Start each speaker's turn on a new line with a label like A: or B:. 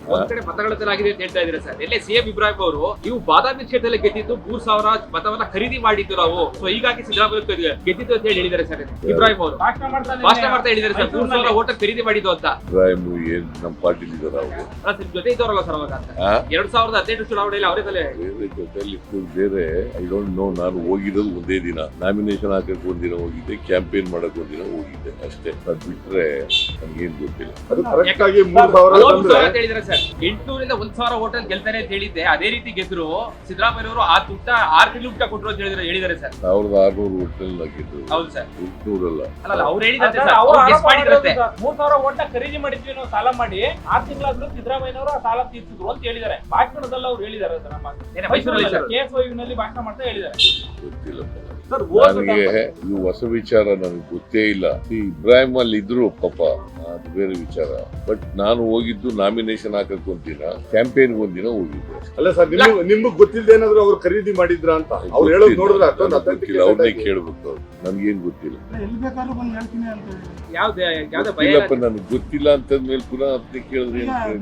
A: ಒಂದ್ ಕಡೆ ಮತಗಳಾಗಿದೆ ಅಂತ ಹೇಳ್ತಾ ಇದ್ರೆ ಸರ್, ಎಲ್ಲೇ ಸಿಎಂ ಇಬ್ರಾಹಿಂ ಅವರು ನೀವು ಬಾದಾಮಿ ಕ್ಷೇತ್ರದಲ್ಲಿ ಗೆದ್ದಿದ್ದು 3,000 ಮತವನ್ನ ಖರೀದಿ ಮಾಡಿದ್ದು ನಾವು, ಸೊ ಹೀಗಾಗಿ ಸಿದ್ದರಾಮಯ್ಯ ಗೆದ್ದಿದ್ದು ಅಂತ ಹೇಳಿ ಹೇಳಿದ್ದಾರೆ ಸರ್ ಇಬ್ರಾಹಿಂ ಅವರು. ಭಾಷಣ ಮಾಡ್ತಾ ಹೇಳಿದ್ದಾರೆ ಸರ್ 3,000 ವೋಟ್ ಖರೀದಿ ಮಾಡಿದ್ದು ಅಂತ.
B: ಇಬ್ರಾಹಿಂ ಏನ್ ನಮ್ಮ ಪಾರ್ಟಿ ಇದಾರೆ ಅವರು
A: ನಿಮ್ ಜೊತೆ ಇದ್ದವರಲ್ಲ ಸರ್ ಅವಾಗ ಅಂತ 2018 ಚುನಾವಣೆಯಲ್ಲಿ ಅವರೇ ತಲೆ
B: ಜೊತೆಲಿ ಬೇರೆ. I don't know. ನಾನು ಹೋಗಿರೋದು ಒಂದೇ ದಿನ, ನಾಮಿನೇಷನ್ ಹಾಕಕ್ ಒಂದಿನ ಹೋಗಿದ್ದೆ, ಕ್ಯಾಂಪೇನ್ ಮಾಡಕ್ ಒಂದಿನ ಹೋಗಿದ್ದೆ ಅಷ್ಟೇ. ಅದ್ ಬಿಟ್ರೆ ನನ್ಗೇನ್ ಗೊತ್ತಿಲ್ಲ.
C: ಅದು ಕರೆಕ್ಟ್ ಆಗಿ 3,000
A: ಹೇಳಿದ್ರೆ ಸರ್ 800 ಇಂದ 1,000 ವೋಟ್ ಅಲ್ಲಿ ಗೆಲ್ತಾರೆ ಅಂತ ಹೇಳಿದ್ದೆ. ಅದೇ ರೀತಿ ಗೆದ್ರು ಸಿದ್ದರಾಮಯ್ಯ ಅವರು ಆ ದುಡ್ಡ 6 ತಿಂಗಳು ಊಟ ಕೊಟ್ಟರು ಅಂತ ಹೇಳಿದ್ದಾರೆ ಸರ್.
B: 1,600 ಒಟ್ಟಲ್ಲಿ ಹಾಕಿದ್ರು.
A: ಹೌದು ಸರ್,
B: 800
A: ಅಲ್ಲ ಅವ್ರು ಹೇಳಿದಂತೆ ಸರ್, ಅವ್ರು ಗೆಸ್ ಮಾಡಿದ್ರಂತೆ
D: 3,000 ವೋಟ್ ಖರೀದಿ ಮಾಡಿದ್ವಿ ನಾವು ಸಾಲ ಮಾಡಿ 6 ತಿಂಗಳಾದ್ರೂ ಸಿದ್ದರಾಮಯ್ಯನವರು ಆ ಸಾಲ ತೀರ್ಸಿದ್ರು ಅಂತ ಹೇಳಿದ್ದಾರೆ. ಭಾಷಣದಲ್ಲಿ ಅವ್ರು ಹೇಳಿದ್ದಾರೆ ಸರ್. ನಮ್ಮ
A: ಮೈಸೂರಲ್ಲಿ ಸರ್
D: KSYU ನಲ್ಲಿ ಭಾಷಣ ಮಾಡ್ತಾ ಹೇಳಿದ್ದಾರೆ.
B: ಗೊತ್ತಿಲ್ಲಪ್ಪ
D: ಸರ್
B: ನನಗೆ. ಇದು ಹೊಸ ವಿಚಾರ, ನನಗೆ ಗೊತ್ತೇ ಇಲ್ಲ. ಈ ಇಬ್ರಾಹಿಂ ಅಲ್ಲಿ ಇದ್ರು ಪಾಪ, ಅದು ಬೇರೆ ವಿಚಾರ. ಬಟ್ ನಾನು ಹೋಗಿದ್ದು ನಾಮಿನೇಷನ್ ಹಾಕಕ್ ಒಂದಿನ, ಕ್ಯಾಂಪೇನ್ ಒಂದಿನ ಹೋಗಿದ್ದೆ.
C: ಅಲ್ಲ ಸರ್, ನಿಮ್ಗೆ ಗೊತ್ತಿಲ್ಲದೆ ಏನಾದ್ರು ಅವ್ರು ಖರೀದಿ ಮಾಡಿದ್ರ ಅಂತ ಅವ್ರು ಹೇಳೋದು ನೋಡಿದ್ರೆ ಅಷ್ಟೊಂದು
B: ಗೊತ್ತಿಲ್ಲ. ಅವ್ರನ್ನೇ ಕೇಳ್ಬೇಕು. ಅವ್ರು ನನ್ಗೇನ್ ಗೊತ್ತಿಲ್ಲ.
A: ಯಾವ್ದೇ ಭಯ
B: ಗೊತ್ತಿಲ್ಲಪ್ಪ, ನನಗೆ ಗೊತ್ತಿಲ್ಲ ಅಂತಂದ್ಮೇಲೆ ಪುನಃ ಅದನ್ನೇ ಕೇಳಿದ್ರೆ